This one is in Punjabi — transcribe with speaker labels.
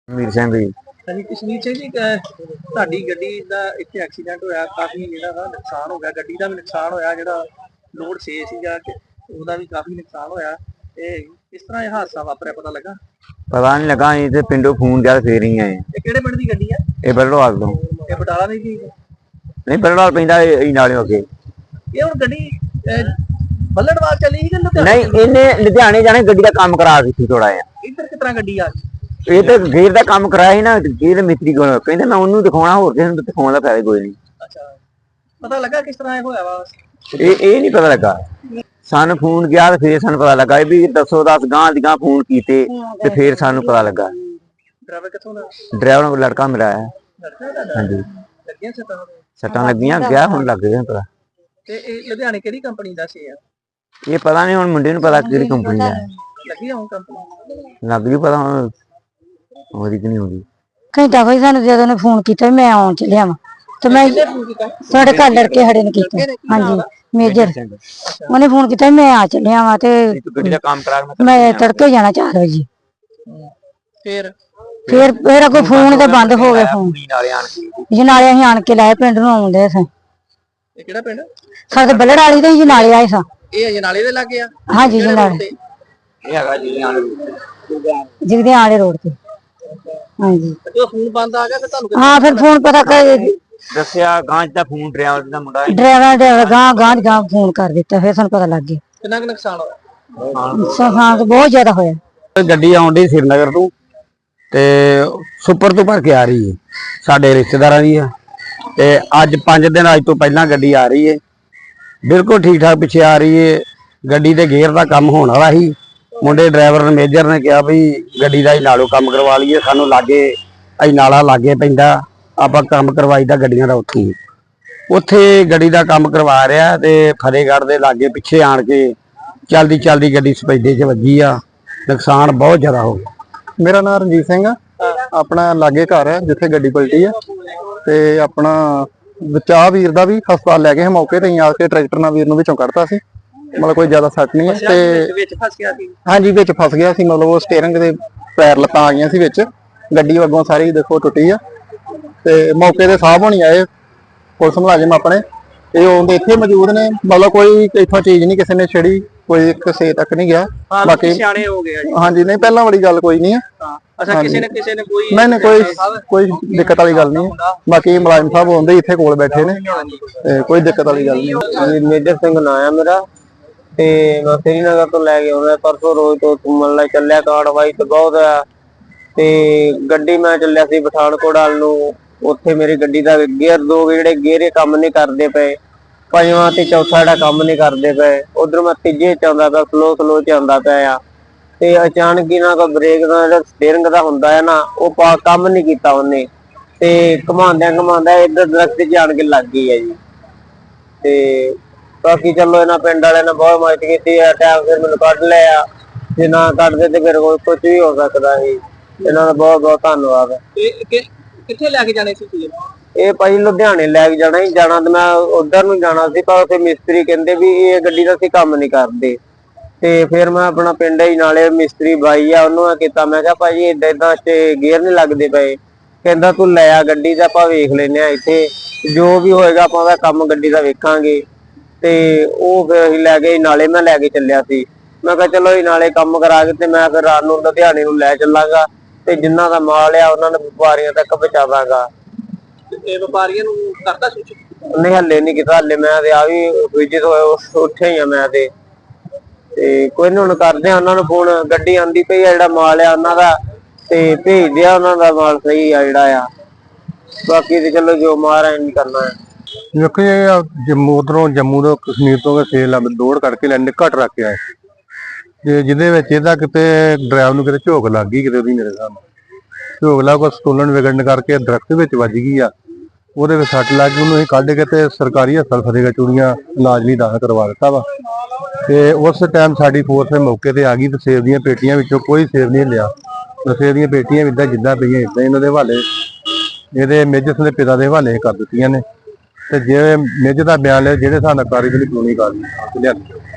Speaker 1: मीर सिंह जी।
Speaker 2: ਹਾਂਜੀ ਕਸ਼ਮੀਰ ਸਿੰਘ ਜੀ ਤੁਹਾਡੀ ਗੱਡੀ ਦਾ ਇੱਥੇ ਐਕਸੀਡੈਂਟ ਹੋਇਆ ਕਾਫੀ ਜਿਹੜਾ ਵਾ ਨੁਕਸਾਨ ਹੋ ਗਿਆ ਗੱਡੀ ਦਾ ਵੀ ਨੁਕਸਾਨ ਹੋਇਆ ਜਿਹੜਾ ਲੋਡ 6 ਸੀਗਾ ਕਿ ਉਹਦਾ ਵੀ ਕਾਫੀ ਨੁਕਸਾਨ ਹੋਇਆ ਤੇ ਕਿਸ ਤਰ੍ਹਾਂ ਇਹ ਹਾਦਸਾ ਵਾਪਰਿਆ ਪਤਾ ਲੱਗਾ?
Speaker 1: पता नहीं लगा अं तो पिंडों फोन किया फिर ही आए।
Speaker 2: ਇਹ ਕਿਹੜੇ ਪਿੰਡ ਦੀ ਗੱਡੀ ਆ?
Speaker 1: ये बरड़वाल तो
Speaker 2: ਇਹ ਬਟਾਲਾ ਦੀ ਸੀ?
Speaker 1: नहीं बरड़वाल पैंदा नाले अगे।
Speaker 2: ਇਹ ਹੁਣ ਗੱਡੀ ਬੱਲੜਵਾਲ ਚੱਲੀ ਸੀ ਕਿ ਲੁਧਿਆਣੇ?
Speaker 1: नहीं इन्हें लुधियाने जाने गड्डी का काम करा दी थी थोड़ा जिहा।
Speaker 2: ਇੱਧਰ ਕਿਸ ਤਰ੍ਹਾਂ ਗੱਡੀ ਆ ਗਈ?
Speaker 1: ये तो गेर का काम कराया ही ना गेर मिस्त्री को कहते मैं उन्होंने दिखाना होर किसी को दिखाने का फायदा कोई नहीं।
Speaker 2: ਅੱਛਾ ਪਤਾ ਲੱਗਾ ਕਿਸ ਤਰ੍ਹਾਂ ਇਹ ਹੋਇਆ ਵਾ?
Speaker 1: ये नहीं पता लगा सानू फोन किया तो फिर सानू पता लगा भी 10 गांह दी गांह फोन कीते ते फिर सानू पता लगा।
Speaker 2: ਡਰਾਈਵਰ ਕਿੱਥੋਂ ਦਾ?
Speaker 1: ड्राइवर को लड़का मिला है।
Speaker 2: ਲੜਕਾ ਦਾ?
Speaker 1: हाँ जी
Speaker 2: ਲੱਗੀਆਂ ਸੱਟਾਂ?
Speaker 1: सट्टां लगियां गया हुण लग गया पता।
Speaker 2: ਤੇ ਇਹ ਲੁਧਿਆਣੇ ਕਿਹੜੀ ਕੰਪਨੀ ਦਾ ਸੀ?
Speaker 1: ये पता नहीं हुण मुंडे नूं पता किहड़ी कंपनी दा
Speaker 2: ਲੱਗੀ ਹੁਣ ਕੰਪਨੀ
Speaker 1: लग गई पता हुण होदी कि नहीं होदी।
Speaker 3: ਘੰਟਾ ਕੋਈ ਸਾਨੂੰ ਜਦੋਂ ਨੇ ਫੋਨ ਕੀਤਾ ਮੈਂ ਆਉਣ ਚੱਲਿਆ ਵਾਂ ਤੇ ਮੈਂ ਸਾਡੇ ਘਰ ਲੜਕੇ ਖੜੇ ਨੇ ਕੀਤਾ। ਹਾਂਜੀ ਮੇਜਰ ਉਹਨੇ ਫੋਨ ਕੀਤਾ ਮੈਂ ਆ ਚੱਲਿਆ ਵਾਂ ਤੇ
Speaker 1: ਗੱਡੀ ਦਾ ਕੰਮ ਕਰਾ
Speaker 3: ਮੈਂ ਤੜਕੇ ਜਾਣਾ 4 ਵਜੇ।
Speaker 2: ਫਿਰ
Speaker 3: ਅੱਗੋਂ ਫੋਨ ਤੇ ਬੰਦ ਹੋ ਗਿਆ ਫੋਨ
Speaker 1: ਨਾਲੇ ਆਣ ਕੇ
Speaker 3: ਜਨਾਲੇ ਅਸੀਂ ਆਣ ਕੇ ਲਾਏ ਪਿੰਡ ਨੂੰ ਆਉਂਦੇ ਸਾਂ।
Speaker 2: ਇਹ ਕਿਹੜਾ ਪਿੰਡ?
Speaker 3: ਸਾਡੇ ਬੱਲੜ ਵਾਲੀ ਤੇ ਜਨਾਲੇ ਆਏ ਸਾਂ।
Speaker 2: ਇਹ ਅਜਨਾਲੇ ਦੇ ਲੱਗੇ ਆ?
Speaker 3: ਹਾਂਜੀ ਜਨਾਲੇ
Speaker 1: ਇਹ ਹੈਗਾ ਜੀ
Speaker 3: ਜਿਗਦੇ ਆਲੇ ਰੋਡ ਤੇ। ਹਾਂਜੀ
Speaker 2: ਜਦੋਂ ਫੋਨ ਬੰਦ ਆ ਗਿਆ ਫਿਰ ਤੁਹਾਨੂੰ
Speaker 3: ਹਾਂ ਫਿਰ ਫੋਨ ਪਤਾ ਕਰ
Speaker 1: ਦੱਸਿਆ ਗਾਂਜ ਦਾ ਫੋਨ ਡਰਾਈਵਰ ਦਾ ਮੁੰਡਾ
Speaker 3: ਡਰਾਈਵਰ ਗਾਂ ਫੋਨ ਕਰ ਦਿੱਤਾ ਫਿਰ ਸਾਨੂੰ ਪਤਾ ਲੱਗ ਗਿਆ।
Speaker 2: ਕਿੰਨਾ ਕੁ ਨੁਕਸਾਨ ਹੋਇਆ?
Speaker 3: ਨੁਕਸਾਨ ਤਾਂ ਬਹੁਤ ਜ਼ਿਆਦਾ ਹੋਇਆ।
Speaker 1: ਗੱਡੀ ਆਉਂਦੀ श्रीनगर ਤੋਂ ਤੇ ਸੁਪਰ ਤੋਂ ਭਰ ਕੇ ਆ ਰਹੀ ਹੈ ਸਾਡੇ ਰਿਸ਼ਤੇਦਾਰਾਂ ਦੀ ਆ ਤੇ ਅੱਜ 5 ਦਿਨ ਅੱਜ ਤੋਂ ਪਹਿਲਾਂ ਗੱਡੀ ਆ ਰਹੀ ਹੈ ਬਿਲਕੁਲ ਠੀਕ ਠਾਕ ਪਿੱਛੇ ਆ ਰਹੀ ਹੈ। ਗੱਡੀ ਦੇ ਗੇਅਰ ਦਾ ਕੰਮ ਹੋਣ ਵਾਲਾ ਸੀ ਮੁੰਡੇ ਡਰਾਈਵਰ ਨੇ ਮੇਜਰ ਨੇ ਕਿਹਾ ਵੀ ਗੱਡੀ ਦਾ ਹੀ ਨਾਲੋਂ ਕੰਮ ਕਰਵਾ ਲਈਏ ਸਾਨੂੰ ਲਾਗੇ ਅਸੀਂ ਨਾਲਾ ਲਾਗੇ ਪੈਂਦਾ ਆਪਾਂ ਕੰਮ ਕਰਵਾਈਦਾ ਗੱਡੀਆਂ ਦਾ ਉੱਥੇ ਗੱਡੀ ਦਾ ਕੰਮ ਕਰਵਾ ਰਿਹਾ ਤੇ ਫਤਿਹਗੜ੍ਹ ਦੇ ਲਾਗੇ ਪਿੱਛੇ ਆਣ ਕੇ ਚਲਦੀ ਗੱਡੀ ਸਪੈਡੇ 'ਚ ਵੱਜੀ ਆ ਨੁਕਸਾਨ ਬਹੁਤ ਜ਼ਿਆਦਾ ਹੋ ਗਿਆ।
Speaker 4: ਮੇਰਾ ਨਾਮ ਰਣਜੀਤ ਸਿੰਘ ਆ ਆਪਣਾ ਲਾਗੇ ਘਰ ਹੈ ਜਿੱਥੇ ਗੱਡੀ ਪਲਟੀ ਆ ਤੇ ਆਪਣਾ ਬਚਾ ਵੀਰ ਦਾ ਵੀ ਹਸਪਤਾਲ ਲੈ ਗਏ ਮੌਕੇ ਤੇ ਆ ਕੇ ਟਰੈਕਟਰ ਨਾਲ ਵੀਰ ਨੂੰ ਵਿੱਚੋਂ ਕੱਢਤਾ ਸੀ ਮਤਲਬ ਕੋਈ ਜ਼ਿਆਦਾ ਸੱਟ ਨਹੀਂ ਹੈ ਤੇ
Speaker 2: ਵਿੱਚ ਫਸ ਗਿਆ ਸੀ?
Speaker 4: ਹਾਂਜੀ ਵਿੱਚ ਫਸ ਗਿਆ ਸੀ ਮਤਲਬ ਉਹ ਸਟੀਅਰਿੰਗ ਦੇ ਪੈਰ ਲੱਤਾਂ ਆ ਗਈਆਂ ਸੀ ਵਿੱਚ ਗੱਡੀ ਅੱਗੋਂ ਸਾਰੀ ਦੇਖੋ ਟੁੱਟੀ ਆ ਤੇ ਮੌਕੇ ਤੇ ਸਾਹਬ ਹੋਣੀ ਆਏ ਪੁਲਿਸ ਮੁਲਾਜ਼ਮ ਆਪਣੇ ਇਹ ਉਹਦੇ ਇੱਥੇ ਮੌਜੂਦ ਨੇ ਮਤਲਬ ਕੋਈ ਇੱਥੋਂ ਚੀਜ਼ ਨਹੀਂ ਕਿਸੇ ਨੇ ਛੇੜੀ ਕੋਈ ਕਿਸੇ ਤੱਕ ਨਹੀਂ ਗਿਆ
Speaker 2: ਬਾਕੀ ਸਿਆਣੇ ਹੋ ਗਏ ਜੀ।
Speaker 4: ਹਾਂਜੀ ਨਹੀਂ ਪਹਿਲਾਂ ਵਾਲੀ ਗੱਲ ਕੋਈ ਨਹੀਂ ਹੈ।
Speaker 2: ਅੱਛਾ ਕਿਸੇ ਨੇ ਕੋਈ
Speaker 4: ਨਹੀਂ ਕੋਈ ਦਿੱਕਤ ਵਾਲੀ ਗੱਲ ਨਹੀਂ ਬਾਕੀ ਮੁਲਾਜ਼ਮ ਸਾਹਿਬ ਹੁੰਦੇ ਇੱਥੇ ਕੋਲ ਬੈਠੇ ਨੇ ਤੇ ਕੋਈ ਦਿੱਕਤ ਵਾਲੀ ਗੱਲ ਨਹੀਂ।
Speaker 1: ਮੇਜਰ ਸਿੰਘ ਨਾਂ ਆ ਮੇਰਾ ਤੇ ਮੈਂ श्रीनगर ਤੋਂ ਲੈ ਕੇ ਆਉਂਦਾ ਪਰਸੋਂ ਰੋਜ਼ ਤੋਂ ਘੁੰਮਣ ਲਈ ਚੱਲਿਆ ਕਾਰਵਾਈ ਤੇ ਬਹੁਤ ਆ ਤੇ ਗੱਡੀ ਮੈਂ ਚੱਲਿਆ ਸੀ ਪਠਾਨਕੋਟ ਵੱਲ ਨੂੰ ਉੱਥੇ ਮੇਰੀ ਗੱਡੀ ਦਾ ਗੇਅਰ ਦੋ ਜਿਹੜੇ ਗੇਅਰੇ ਕੰਮ ਨਹੀਂ ਕਰਦੇ ਪਏ ਪੰਜਵਾਂ ਤੇ ਚੌਥਾ ਜਿਹੜਾ ਕੰਮ ਨਹੀਂ ਕਰਦੇ ਪਏ ਉਧਰ ਮੈਂ ਤੀਜੇ ਚ ਆਉਂਦਾ ਪਿਆ ਸਲੋ ਚ ਆਉਂਦਾ ਪਿਆ ਆ ਤੇ ਅਚਾਨਕ ਹੀ ਨਾ ਕੋਈ ਬ੍ਰੇਕ ਦਾ ਜਿਹੜਾ ਸਟੀਅਰਿੰਗ ਦਾ ਹੁੰਦਾ ਹੈ ਨਾ ਉਹ ਕੰਮ ਨਹੀਂ ਕੀਤਾ ਉਹਨੇ ਤੇ ਘਮਾਉਂਦਿਆਂ ਇੱਧਰ ਦਰਖਤ 'ਚ ਆਣ ਕੇ ਲੱਗ ਗਈ ਹੈ ਜੀ। ਤੇ ਬਾਕੀ ਚਲੋ ਇਹਨਾਂ ਪਿੰਡ ਵਾਲਿਆਂ ਨੇ ਬਹੁਤ ਮਦਦ ਕੀਤੀ ਆ ਟਾਈਮ ਫਿਰ ਮੈਨੂੰ ਕੱਢ ਲਿਆ ਜੇ ਨਾ ਕੱਢਦੇ ਤੇ ਫਿਰ ਕੁਝ ਵੀ ਹੋ ਸਕਦਾ ਸੀ ਇਹਨਾਂ ਦਾ ਬਹੁਤ ਬਹੁਤ ਧੰਨਵਾਦ।
Speaker 2: ਕਿੱਥੇ ਲੈ ਕੇ ਜਾਣੇ ਸੀ?
Speaker 1: ਇਹ ਭਾਈ ਲੁਧਿਆਣੇ ਲੈ ਕੇ ਜਾਣਾ ਤੇ ਮੈਂ ਉਧਰ ਨੂੰ ਜਾਣਾ ਸੀ ਪਰ ਉੱਥੇ ਮਿਸਤਰੀ ਕਹਿੰਦੇ ਵੀ ਇਹ ਗੱਡੀ ਦਾ ਅਸੀਂ ਕੰਮ ਨਹੀਂ ਕਰਦੇ ਤੇ ਫਿਰ ਮੈਂ ਆਪਣਾ ਪਿੰਡ ਹੀ ਨਾਲੇ ਮਿਸਤਰੀ ਬਾਈ ਆ ਉਹਨੂੰ ਕੀਤਾ ਮੈਂ ਕਿਹਾ ਭਾਜੀ ਏਦਾਂ ਚ ਗੇਅਰ ਨਹੀਂ ਲੱਗਦੇ ਪਏ ਕਹਿੰਦਾ ਤੂੰ ਲੈ ਆ ਗੱਡੀ ਦਾ ਆਪਾਂ ਵੇਖ ਲੈਨੇ ਆ ਇੱਥੇ ਜੋ ਵੀ ਹੋਏਗਾ ਆਪਾਂ ਉਹਦਾ ਕੰਮ ਗੱਡੀ ਦਾ ਵੇਖਾਂਗੇ ਤੇ ਉਹ ਫਿਰ ਅਸੀਂ ਲੈ ਗਏ ਨਾਲੇ ਮੈਂ ਲੈ ਕੇ ਚੱਲਿਆ ਸੀ ਮੈਂ ਕਿਹਾ ਚਲੋ ਇਹ ਨਾਲੇ ਕੰਮ ਕਰਾ ਕੇ ਤੇ ਮੈਂ ਫਿਰ ਰਾਤ ਨੂੰ ਲੁਧਿਆਣੇ ਨੂੰ ਲੈ ਚੱਲਾਂਗਾ ਤੇ ਜਿੰਨਾ ਦਾ ਮਾਲ ਆ ਉਹਨਾਂ ਨੂੰ ਵਪਾਰੀਆਂ ਤੱਕ ਪਹੁੰਚਾਵਾਂਗਾ।
Speaker 2: ਇਹ ਵਪਾਰੀਆਂ ਨੂੰ ਕਰਦਾ ਸੂਚਿਤ
Speaker 1: ਨਹੀਂ ਹੱਲੇ ਨਹੀਂ ਕੀਤਾ ਹੱਲੇ ਮੈਂ ਤੇ ਆ ਵੀ ਵਿਜਿਟ ਉੱਥੇ ਹੀ ਆ ਮੈਂ ਤੇ ਕੋਈ ਨਹੀਂ ਹੁਣ ਕਰਦੇ ਆ ਉਹਨਾਂ ਨੂੰ ਫੋਨ ਗੱਡੀ ਆਂਦੀ ਪਈ ਆ ਜਿਹੜਾ ਮਾਲ ਆ ਉਹਨਾਂ ਦਾ ਤੇ ਭੇਜਦੇ ਆ ਉਹਨਾਂ ਦਾ ਮਾਲ ਸਹੀ ਆ ਜਿਹੜਾ ਆ ਬਾਕੀ ਤੇ ਚਲੋ ਜੋ ਮਾਰਾ ਨਹੀਂ ਕਰਨਾ ਹੈ।
Speaker 4: ਦੇਖੋ ਜੰਮੂ ਤੋਂ ਕਸ਼ਮੀਰ ਤੋਂ ਸੇਲ ਦੌੜ ਕਰਕੇ ਲੈਣੇ ਘੱਟ ਰੱਖ ਕੇ ਆਏ ਤੇ ਜਿਹਦੇ ਵਿੱਚ ਇਹਦਾ ਕਿਤੇ ਡਰਾਈਵਰ ਨੂੰ ਕਿਤੇ ਝੋਕ ਲੱਗ ਗਈ ਕਿਤੇ ਉਹਦੀ ਮੇਰੇ ਸਾਹਮਣੇ ਝੋਕ ਲੱਗ ਕੋ ਸਟੋਲਨ ਵਿਗੜਨ ਕਰਕੇ ਦਰਖਤ ਵਿੱਚ ਵੱਜ ਗਈ ਆ ਉਹਦੇ ਵਿੱਚ ਸੱਟ ਲੱਗ ਗਈ ਉਹਨੂੰ ਅਸੀਂ ਕੱਢ ਕੇ ਤੇ ਸਰਕਾਰੀ ਹਸਪਤਾਲ ਫਤਿਹਗੜ੍ਹ ਚੂੜੀਆਂ ਇਲਾਜ ਲਈ ਦਾਖਲ ਕਰਵਾ ਦਿੱਤਾ ਵਾ ਤੇ ਉਸ ਟਾਈਮ ਸਾਡੀ ਫੋਰਸ ਮੌਕੇ ਤੇ ਆ ਗਈ ਤੇ ਸੇਬ ਦੀਆਂ ਪੇਟੀਆਂ ਵਿੱਚੋਂ ਕੋਈ ਸੇਬ ਨਹੀਂ ਲਿਆ ਸੇਬ ਦੀਆਂ ਪੇਟੀਆਂ ਵੀ ਜਿੱਦਾਂ ਪਈਆਂ ਇਦਾਂ ਇਹਨਾਂ ਦੇ ਹਵਾਲੇ ਇਹਦੇ ਮੇਜਰ ਦੇ ਪਿਤਾ ਦੇ ਹਵਾਲੇ ਕਰ ਦਿੱਤੀਆਂ ਨੇ ਤੇ ਜੇ ਮੇਜਰ ਦਾ ਬਿਆਨ ਲਿਆ ਜਿਹੜੇ ਹਿਸਾਬ ਨਾਲ ਕਾਰਵਾਈ ਕਾਨੂੰਨੀ ਕਾਰਵਾਈ ਲਿਆਂਦੀ।